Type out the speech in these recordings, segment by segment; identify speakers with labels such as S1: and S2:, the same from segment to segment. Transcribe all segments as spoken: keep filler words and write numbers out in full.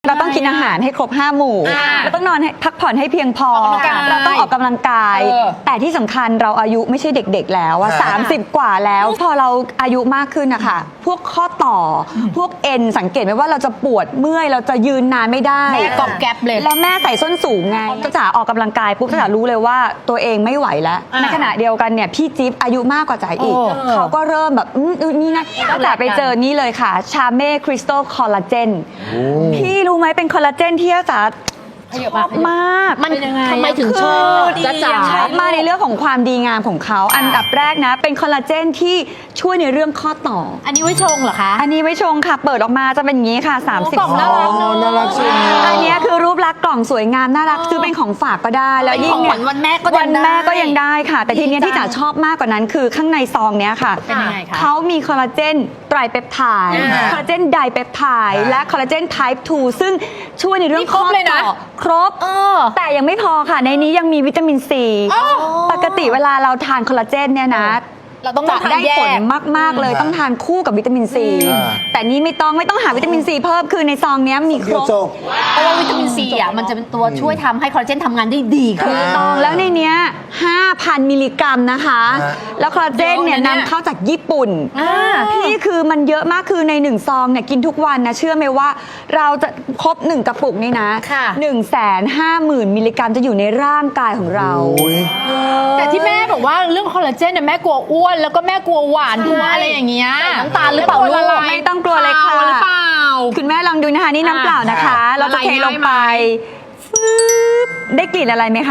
S1: เราต้องกินอาหารให้ครบห้าหมู่เราต้องนอนให้พักผ่อนให้เพียงพอเราต้องออกกำลังกายแต่ที่สำคัญเราอายุไม่ใช่เด็กๆแล้วว่าสามสิบกว่าแล้วพอเราอายุมากขึ้นนะคะพวกข้อต่อพวกเอ็นสังเกตไหมว่าเราจะปวดเมื่อยเราจะยืนนานไม่ได้
S2: กอบแก๊บเลย
S1: แล้วแม่ใส่ส้นสูงไงจ้าจ๋าออกกำลังกายปุ๊บจ้าจ๋ารู้เลยว่าตัวเองไม่ไหวแล้วในขณะเดียวกันเนี่ยพี่จิ๊บอายุมากกว่าจ๋าอีกเขาก็เริ่มแบบอืมนี่นะจ้าจ๋าไปเจอนี่เลยค่ะชาเม่คริสตัลคอลลาเจนพี่รู้ไหมเป็นคอลลาเจนที่จ้าจ๋าชอบมาก
S2: มันทำไมถึงชอบ
S1: จ้าจ๋าชอบมากในเรื่องของความดีงามของเขาอันดับแรกนะเป็นคอลลาเจนที่ช่วยในเรื่องข้อต่อ
S2: อันนี้ไว้ชงเหรอคะ
S1: อันนี้ไว้ชงค่ะเปิดออกมาจะเป็นอย่างนี้ค่ะสามสิบ
S2: กล่องน่ารักเนอะ
S3: น่ารักใช่ไหม
S1: อันนี้คือรูปลักษณ์กล่องสวยงามน่ารักซื้อเป็นของฝากก็ได้แล้วยิ่ง
S2: เป็นของขวัญวันแม่ก็ยัง
S1: วันแม่ก็ยัง
S2: ได้
S1: ได้ค่ะ แต่ทีเนี้ยที่จ๋าชอบมากกว่านั้นคือข้างในซองเนี้ยค่ะ
S2: เป็นยังไงคะ
S1: เขามีคอลลาเจนไตรเปปไทด์
S2: อ่า
S1: คอลลาเจนไดเปปไทด์และคอลลาเจนไทป์ทูซึ่งช่วยในเรื่อง
S2: นี่ครบ
S1: ข้อ
S2: เลยนะ
S1: ต่อครบ
S2: เออ
S1: แต่ยังไม่พอค่ะในนี้ยังมีวิตามินซีปกติเวลาเราทานคอลลาเจนเนี่ยนะ
S2: เราต้อง
S1: จะ
S2: ทาน
S1: ได้
S2: แย
S1: ผล
S2: ก
S1: มาก ๆ เลยต้องทานคู่กับวิตามินซี
S3: อ่า
S1: แต่นี้ไม่ต้องไม่ต้องหาวิตามินซีเพิ่มคือในซองเนี้ยมีค
S3: เดี
S1: ร
S3: ยว
S1: บ
S3: จบ
S2: เพราะว่าวิตามินซีอ่ะมันจะเป็นตัวช่วยทำให้คอลลาเจนทำงานได้ดีขึ้น
S3: อ่า
S1: ต้องแล้วในเนี้ยห้าพัน มิลลิกรัมนะคะ
S3: ฮะ
S1: แล้วคอลลาเจนเนี่ย
S2: เยอะนะเนี่ย
S1: นำเข้าจากญี่ปุ่น
S2: อ่า
S1: พี่คือมันเยอะมากคือในหนึ่งซองเนี่ยกินทุกวันนะเชื่อไหมว่าเราจะครบหนึ่งกระปุกนี่นะ
S2: ค่ะ
S1: หนึ่งแสนห้าหมื่นมิลลิกรัมจะอยู่ในร่างกายของเรา
S3: โอ้ย
S4: แต่ที่แม่บอกว่าเรื่องคอลลาเจนเนี่ยแม่กลัวอ้วนแล้วก็แม่กลัวหวานกลัวอะไรอย่างเงี้ย
S2: ใส่น้ำตาลหรือเปล่าลูก
S1: ไม่ต้องกลัวเลยค่ะ
S4: ขาวหรือเปล่า
S1: คุณแม่ลองดูนะคะนี่น้ำเปล่านะคะ
S4: อ่ะ
S1: เราจะเทลงไป
S4: ละลายง่ายไหม
S1: ฟืบได้กลิ่นอะไรไหมคะ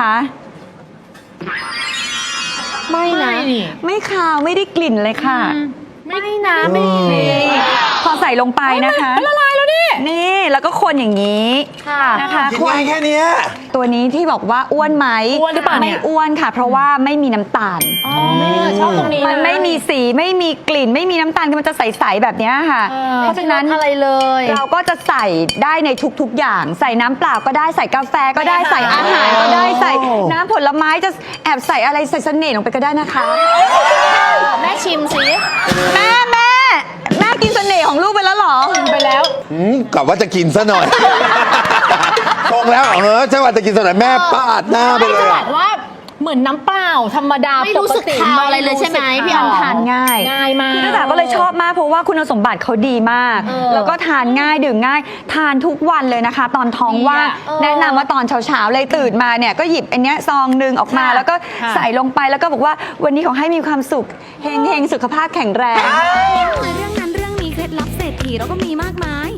S2: ไม่นะ
S4: ไม่นี่
S1: ไม่คาวไม่ได้กลิ่นเลยค่ะ
S2: ไม่นะไม่
S1: นี่พอใส่ลงไปนะคะ
S4: ละลายแล้วนี่
S1: นี่แล้วก็คนอย่างนี้
S2: ค่ะ
S1: นะคะ
S3: กิน
S1: คน
S3: ง่ายแค่เนี้ย
S1: ตัวนี้ที่บอกว่าอ้วนไหม
S4: อ้วนหรือเปล่าเนี่
S1: ไม่
S4: ย
S1: อ้วนค่ะ เพราะว่าไม่มีน้ำตาล
S2: อ๋อชอบตรงนี้
S1: มันไม่มีสีไม่มีกลิ่น ไม่มีน้ำตาลคือมันจะใสๆแบบเนี้ยค่ะ เพราะฉะนั้น
S2: อะไรเลย
S1: เราก็จะใส่ได้ในทุกๆอย่าง ใส่น้ำเปล่าก็ได้ใส่กาแฟก็ได้
S2: ไม่
S1: ใส่อาหารก็ได้
S3: โอ้
S1: ใส่น้ำผลไม้จะแอบใส่อะไรใส่เสน่ห์ลงไปก็ได้นะคะ
S2: แม่ชิมสิ
S1: แม่แม่แม่กินเสน่ห์ของลูกไปแล้วเหรอ
S4: ไปแล้ว
S3: อืมกลับว่าจะกินซะหน่อยตรงแล้วเออใช่ว่าจะกินซะหน่อยแม่ปาดหน้าไป
S4: ไม่
S3: เล
S4: จะ
S3: ย
S4: บ
S3: อะ
S4: อกว่าเหมือนน้ำเปล่าธรรมดา
S2: ไม่รู้สึก
S4: ปติ
S2: คาวอะไรเลยใช่ไหมพี่อ๋อ
S1: ทานง่าย
S4: ง่ายมาก
S1: คือตั้งแต่ก็เลยชอบมากเพราะว่าคุณสมบัติเขาดีมาก
S2: เออ
S1: แล้วก็ทานง่ายดื่มง่าย ทานทุกวันเลยนะคะ ตอนท้องว่าง
S4: ดีอะ
S2: เออ
S1: แนะนำว่าตอนเช้าๆเลยตื่นมาเนี่ยก็หยิบอันเนี้ยซองหนึ่งออกมา
S4: ค่ะ
S1: แล้วก็
S4: ค่ะ
S1: ใส่ลงไปแล้วก็บอกว่าวันนี้ขอให้มีความสุขเฮงๆสุขภาพแข็งแรง
S5: เรื่องนั้นเรื่องนี้เคล็ดลับเศรษฐีเราก็มีมากมาย